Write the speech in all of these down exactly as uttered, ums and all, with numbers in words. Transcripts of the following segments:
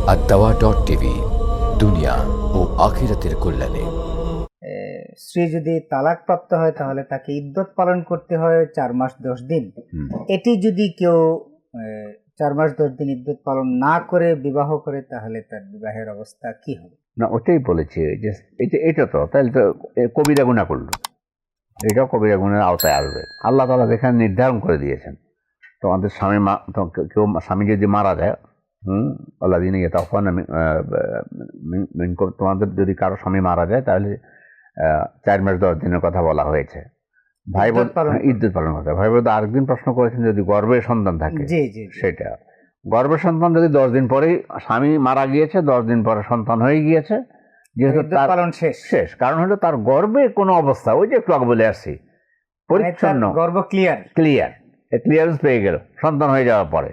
আদ-দাওয়া dot TV, দুনিয়া ও আখিরাতের কল্যাণে। স্ত্রী যদি তালাক প্রাপ্ত হয় তাহলে তাকে ইদ্যত পালন করতে হয় চার মাস দশ দিন। এটি যদি কেউ আহ, চার মাস দশ দিন ইদ্যত পালন না করে বিবাহ করে তাহলে তার বিবাহের অবস্থা কি হবে? না, ওটাই বলেছি যে এটা এটা তো তাহলে তো এ কবিরা গুনাহ করলো, এটাও কবিরা গুনাহের আওতায় আসবে। আল্লাহ তাআলা যেখানে নির্ধারণ করে দিয়েছেন, তোমাদের স্বামী মা তো- কেউ স্বামী যদি মারা যায়, হুম আল্লাহ দিন ইয়ে তখন তোমাদের যদি কারো স্বামী মারা যায় তাহলে আহ, চার মাস দশ দিনের কথা বলা হয়েছে। ভাই বোন ইদ্যত পালন করবে। ইদ্যুৎ পালন করতে হয়। ভাই বোন আরেকদিন প্রশ্ন করেছেন যদি গর্ভে সন্তান থাকে, জি জি জি। সেটা গর্ভের সন্তান যদি দশ দিন পরেই স্বামী মারা গিয়েছে, দশ দিন পরে সন্তান হয়ে গিয়েছে, যেহেতু ইদ্যত তার পালন শেষ। শেষ, কারণ হলো তার গর্ভে কোনো অবস্থা, ওই যে একটু আগে বলে আসছি, মানে তার পরিচ্ছন্ন গর্ভ ক্লিয়ার। ক্লিয়ার, ক্লিয়ারেন্স পেয়ে গেল সন্তান হয়ে যাওয়ার পরে।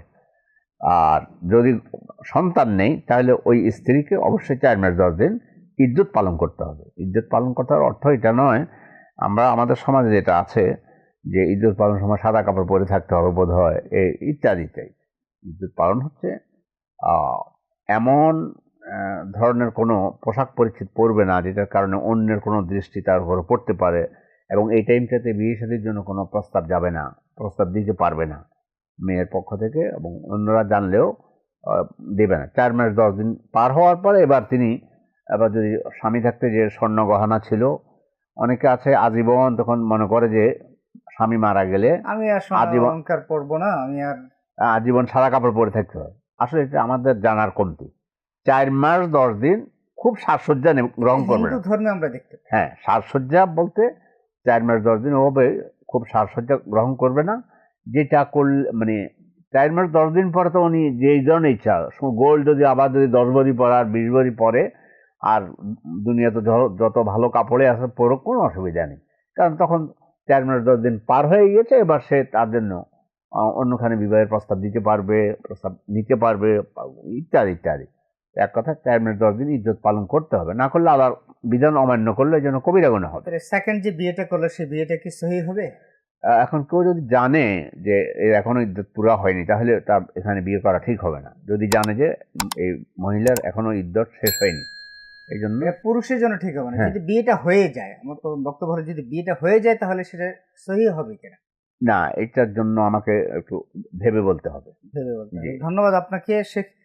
আর যদি সন্তান নেই তাহলে ওই স্ত্রীকে অবশ্যই চার মাস দশ দিন ইদ্যুৎ পালন করতে হবে। ইদ্যুৎ পালন করার অর্থ এটা নয়, আমরা আমাদের সমাজে যেটা আছে যে ইদ্যুৎ পালন সময় সাদা কাপড় পরে থাকতে হবে বোধ হয়, এই ইত্যাদি ইত্যাদি। ইদ্যুৎ পালন হচ্ছে আহ, এমন আহ, ধরনের কোনো পোশাক পরিচ্ছদ পরবে না যেটার কারণে অন্যের কোনো দৃষ্টি তার উপরে পড়তে পারে, এবং এই টাইমটাতে বিয়ে শাদীর জন্য কোনো প্রস্তাব যাবে না, প্রস্তাব দিতে পারবে না মেয়ের পক্ষ থেকে, এবং অন্যরা জানলেও আহ, দেবে না। চার মাস দশ দিন পার হওয়ার পরে এবার তিনি, এবার যদি স্বামী থাকতে যে স্বর্ণ গহনা ছিল, অনেকে আছে আজীবন তখন মনে করে যে স্বামী মারা গেলে আমি আর সোনা আজীবন অলংকার পরবো না, আমি আর আজীবন সাদা কাপড় পরে থাকতে হয়। আসলে এটা আমাদের জানার কমতি। চার মাস দশ দিন খুব সাজসজ্জা নে- গ্রহণ করবে হিন্দু না। ধর্মে আমরা দেখতে পাই। হ্যাঁ, সাজসজ্জা বলতে চার মাস দশ দিন হবে খুব সাজসজ্জা গ্রহণ করবে না। যেটা করলে মানে চার মাস দশ দিন পরে তো উনি যেই ধরনের ইচ্ছা, গোল্ড যদি আবার যদি দশ ভরি পরে আর বিশ ভরি পরে, আর দুনিয়াতে য- যত ভালো কাপড়ে আছে পরো, কোনো অসুবিধা নেই। কারণ তখন চার মাস দশ দিন পার হয়ে গিয়েছে, এবার সে তার জন্য আহ, অন্যখানে বিবাহের প্রস্তাব দিতে পারবে, প্রস্তাব নিতে পারবে, ইত্যাদি ইত্যাদি। এক কথা চার মাস দশ দিন ইজ্জত পালন করতে হবে, না করলে আল্লাহর বিধান অমান্য করলে যেন কবিরা গুনাহ হবে। সেকেন্ড যে বিয়েটা করলো সেই বিয়েটা কি সহি হবে? আহ, এখন কেউ যদি জানে যে এর এখনো ইদ্যত পুরা হয়নি তাহলে তার এখানে বিয়ে করা ঠিক হবে না। যদি জানে যে উম, এই মহিলার এখনো ইদ্যত শেষ হয়নি, এই জন্য এটা পুরুষের জন্য ঠিক হবে না। হ্যাঁ। যদি বিয়েটা হয়ে যায়, আমার তো বক্তব্য হলো যদি বিয়েটা হয়ে যায় তাহলে সেটা সহি হবে কিনা না, এটার জন্য আমাকে একটু ভেবে বলতে হবে। ভেবে বলতে হবে। জি। ধন্যবাদ আপনাকে শেখ